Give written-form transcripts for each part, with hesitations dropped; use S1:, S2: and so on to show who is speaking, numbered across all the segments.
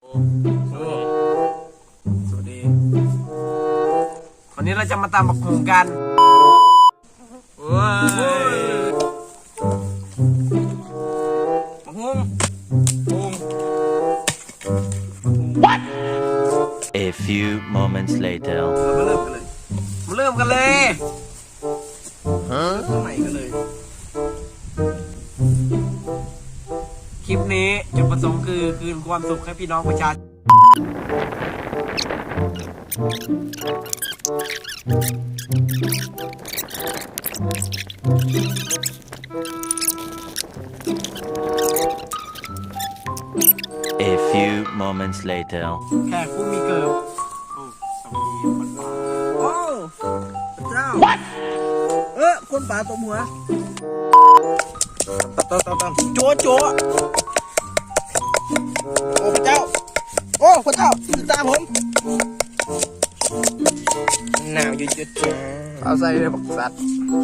S1: สวัสดีวันนี้เราจะมาตามบักหุ่งกันว้ายบักหุ่ง
S2: What? A few moments later.
S1: มาเริ่มกันเลยฮะเริ่มใหม่กันเลยคลิปนี้จุดประสงค์คือคืนความสุขให้พี่น้องประชาชน
S2: A few moments later.
S1: แขกผู้มีเกิดโอ้พระเจ้า
S2: What?
S1: คนป่าตบหัวตบโจ้โจ้โอ้พระเจ้าโอ้พระเจ้าตามผมหนาวอยู่จุดจ้าเอาใส่เลยบอกสัตว์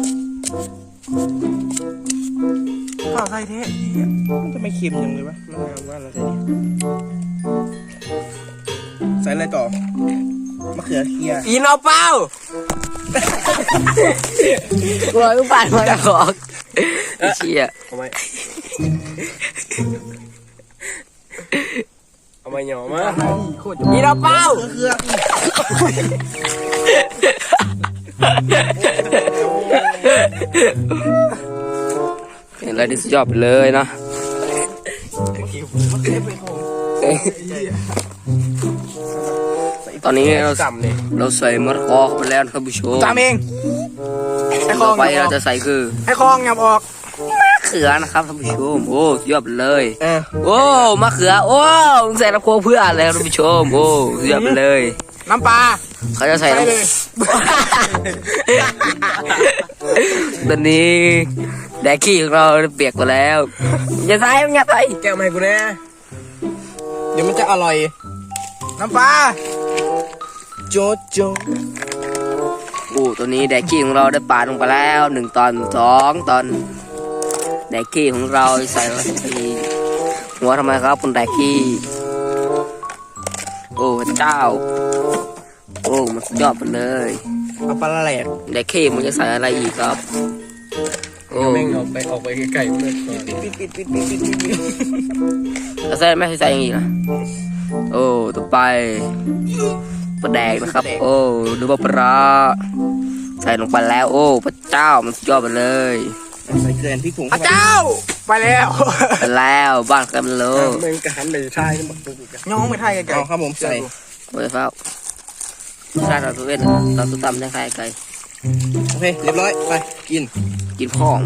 S1: ข้าวใส่เทะมันจะไม่เค็มยังเลยวะมันงามว่าเราใส่เนี่ยใส่อะไรต่อมะเขือเคี่ยวอีนเอาเป้ากลัวลูกปั่นมาจากของเชี่ยเอาไหมเอาไหมเหนียวมาอีนเอาเป้า
S3: เห็นอะไรที่สุดยอดไปเลยนะตอนนี้เราใส่มะละกอเข้าไปแล้วนะครับผู้ชม
S1: จำเอง
S3: ต่อไปเราจะใส่คือ
S1: ให้คลองงับออก
S3: มะเขือนะครับท่านผู้ชมโอ้สุดยอดไปเลยโอ้มะเขือโอ้ใส่น้ำโค้งเพื่ออะไรท่านผู้ชมโอ้สุดยอดไปเลย
S1: น้ำปลา
S3: เขาจะใส่น้ำตอนนี้แดกขี้ของเราเปียกหมดแล้วอย่าใส่อย่าใส่
S1: แก้วมาให้กูนะเดี๋ยวมันจะอร่อยน้ำปลาโจ๊ดโจ๊ด
S3: โอ้ตัวนี้แดกขี้ของเราได้ปาดลงไปแล้ว1 ตอน 2 ตอนแดกขี้ของเราใส่ที่หัวทำไมครับคุณแดกขี้โอ้พระเจ้าโอ้มันสุดยอดไปเลย
S1: เอาปลาแหลก
S3: แดกขี้มันจะใส่อะไรอีกครับโอ้
S1: แม่งออกไปไกลๆเลยปิด
S3: แล้วใส่ไม่ใส่อย่างอีกนะโอ้ต่อไปปลาแดกนะครับโอ้ดูว่าปลาใส่ลงไปแล้วโอ้พระเจ้ามันสุดยอดไปเลย
S1: ใส่เกลือพริกผงพระเจ้าไปแล้ว
S3: ไปแล้วบ้านกันเลย
S1: มึงกระหันไปไทยน้องไปไทยกันเอาครับผมใส่
S3: โอ้ยฟ้าชาติเราตัวเวทเราตัวต่ำได้ใครไกล
S1: โอเคเรียบร้อยไปกิน
S3: พ่อง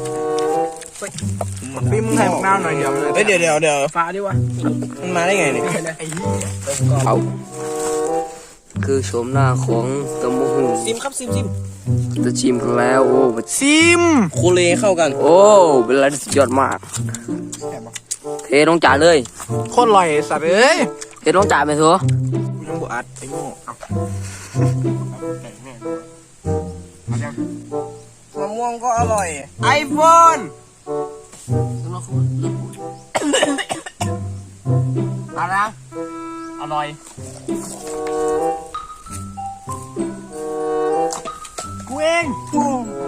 S1: พี่มึงให้บักน้าวหน่อยเดี๋ยวฟ้าดิวะมันมาได้ไงเนี่ย
S3: เอาคือโฉมหน้าของตะมูหู
S1: ซิมครับซิม
S3: จะชิมกันแล้วโอ้
S1: ซิมโคเลเข้ากัน
S3: โอ้เป็นอะไรที่สุดยอดมากเทน้องจ่าเลย
S1: โคตรอร่อยสัตว์เอ้ย
S3: เทน้องจ่าไปเถอะ
S1: ยังบอัดไอ้โง่มะม่วงก็อร่อยไอโฟนอะไรนะอร่อยกูเองปู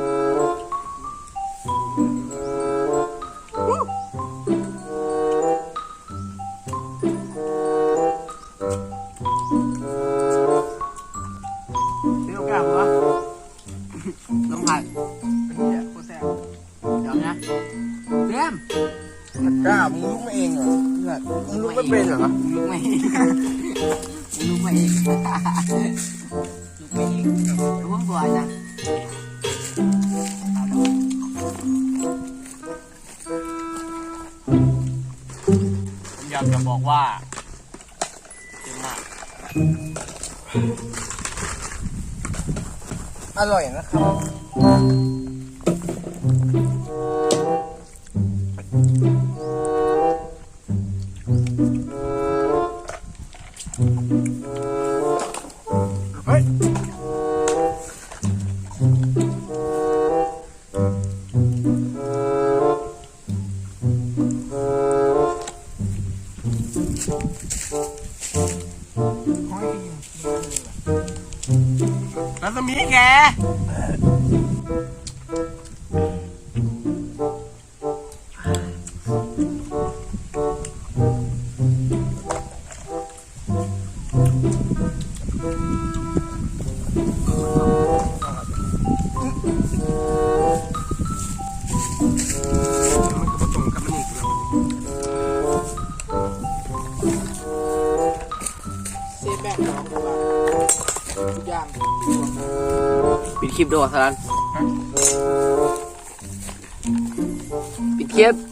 S1: เดี๋ยวกลับวะน้องไผ่เป็นเนี่ยโคตรแซ่บเดี๋ยวนะเต็มกล้ามึงลุกมาเองเหรอมึงลุกไม่เป็นเหรอลุกไม่เองลุกไม่เองลุกไม่เองรู้ว่าบ่อยนะผมอยากจะบอกว่าเต็มมากอร่อยนะครับเฮ้ยสมีแกเซฟแบบน้องกูว่าทุกอย่าง
S3: ปิดคลิปด้วยสารันปิดคลิป